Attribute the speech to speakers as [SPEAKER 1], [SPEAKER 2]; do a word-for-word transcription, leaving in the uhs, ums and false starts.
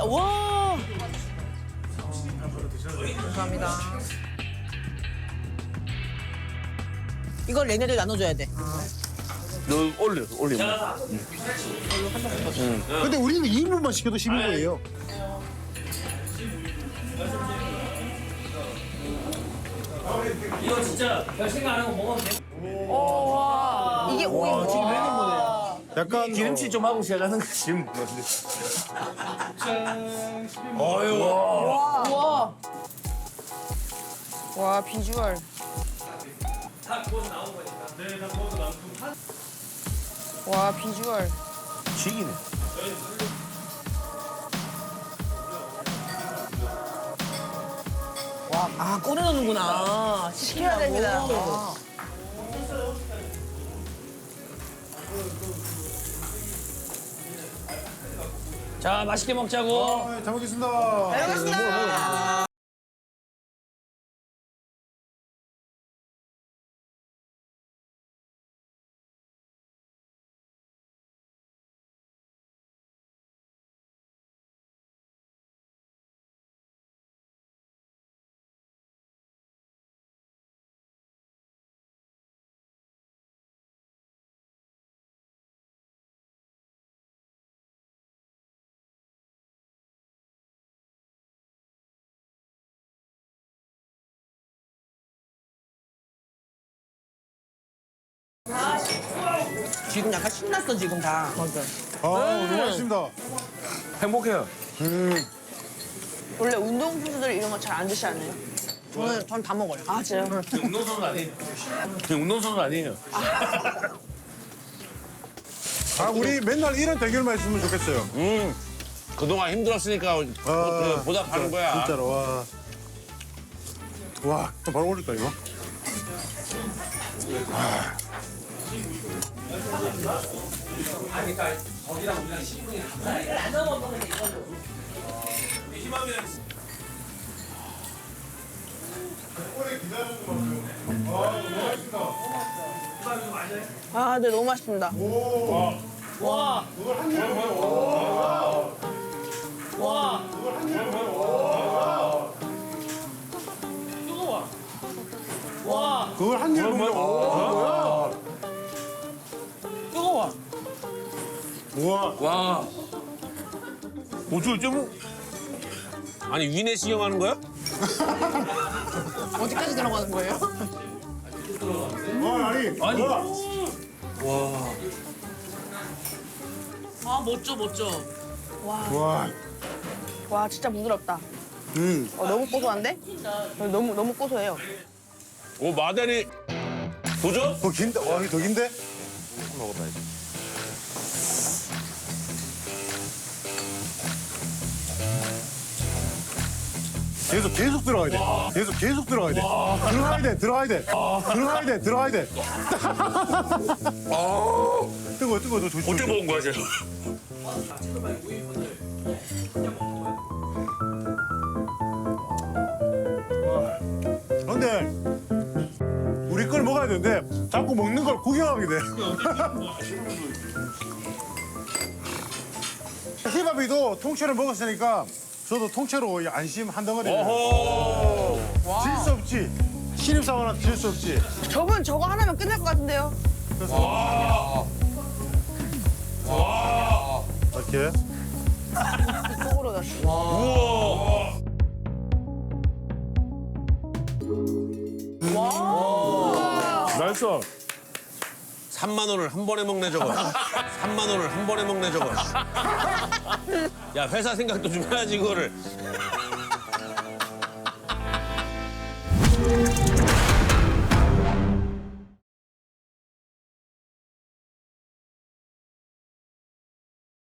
[SPEAKER 1] 와. 감사합니다. 이걸 얘네들 나눠줘야 돼.
[SPEAKER 2] 너 올려, 올려.
[SPEAKER 3] 근데 우리는 이 인분만 시켜도 십오 분이에요.
[SPEAKER 4] 이거 진짜 별 생각 안 하고 먹어도 돼.
[SPEAKER 1] 이게 오 인분.
[SPEAKER 3] 약간
[SPEAKER 2] 기름칠 좀 하고 시작하는 거 지금.
[SPEAKER 1] 와. 와 비주얼.
[SPEAKER 4] 다 구워서 나온 거니까. 네, 다 구워서 나온 거.
[SPEAKER 1] 와 비주얼.
[SPEAKER 2] 죽이네.
[SPEAKER 1] 와, 아 꺼내놓는구나. 시켜야 됩니다.
[SPEAKER 4] 자, 맛있게 먹자고.
[SPEAKER 3] 잘 먹겠습니다.
[SPEAKER 1] 잘 먹겠습니다. 지금 약간 신났어 지금 다. 맞아.
[SPEAKER 3] 아, 너무 맛있습니다.
[SPEAKER 2] 행복해요.
[SPEAKER 1] 원래 운동 선수들 이런 거 잘 안 드시 않아요? 저는 전 다 먹어요. 아 진짜요?
[SPEAKER 2] 운동선수 아니에요. 그냥 운동선수 아니에요.
[SPEAKER 3] 아, 우리 맨날 이런 대결만 했으면 좋겠어요.
[SPEAKER 2] 음, 그동안 힘들었으니까
[SPEAKER 3] 아,
[SPEAKER 2] 보답하는 거야.
[SPEAKER 3] 진짜로, 와. 와, 또 바로 올릴까, 이거?
[SPEAKER 1] 아, 네 너무 맛있습니다.
[SPEAKER 4] 와. 와. 뜨거워. 와.
[SPEAKER 3] 그걸 한 입에 먹는 거.
[SPEAKER 4] 뜨거워.
[SPEAKER 3] 우와.
[SPEAKER 2] 와. 어떻게 좀 아니 위내 신경 하는 거야?
[SPEAKER 1] 어디까지 들어가는 거예요?
[SPEAKER 3] 아, 아니.
[SPEAKER 2] 아니.
[SPEAKER 3] 우와.
[SPEAKER 1] 아 멋져 멋져.
[SPEAKER 3] 와.
[SPEAKER 1] 와 진짜 부드럽다.
[SPEAKER 3] 음.
[SPEAKER 1] 어, 너무 고소한데? 어, 너무 너무 고소해요.
[SPEAKER 2] 오 마다리 도전?
[SPEAKER 3] 더 긴데? 와, 이거 더 긴데?
[SPEAKER 2] 먹어봐야지.
[SPEAKER 3] 계속, 계속 들어가야 돼. 계속, 계속 들어가야 돼. 들어가야 돼, 들어가야 돼. 들어가야 돼, 들어가야 돼. 뜨거워, 뜨거워, 너 조심.
[SPEAKER 2] 어떻게 먹은 거야, 쟤?
[SPEAKER 3] 근데 우리 걸 먹어야 되는데 자꾸 먹는 걸 구경하게 돼. 희밥이도 통째로 먹었으니까 저도 통째로 안심 한 덩어리를.
[SPEAKER 2] 어허.
[SPEAKER 3] 질 수 없지. 신입사원한테 질 수 없지.
[SPEAKER 1] 저분 저거 하나면 끝날 것 같은데요?
[SPEAKER 3] 이렇게.
[SPEAKER 1] 속으로 넣었어.
[SPEAKER 2] 우와.
[SPEAKER 3] 나이스.
[SPEAKER 2] 삼만 원을 한 번에 먹네 저거. 삼만 원을 한 번에 먹네 저거. 야 회사 생각도 좀 해야지 그거를.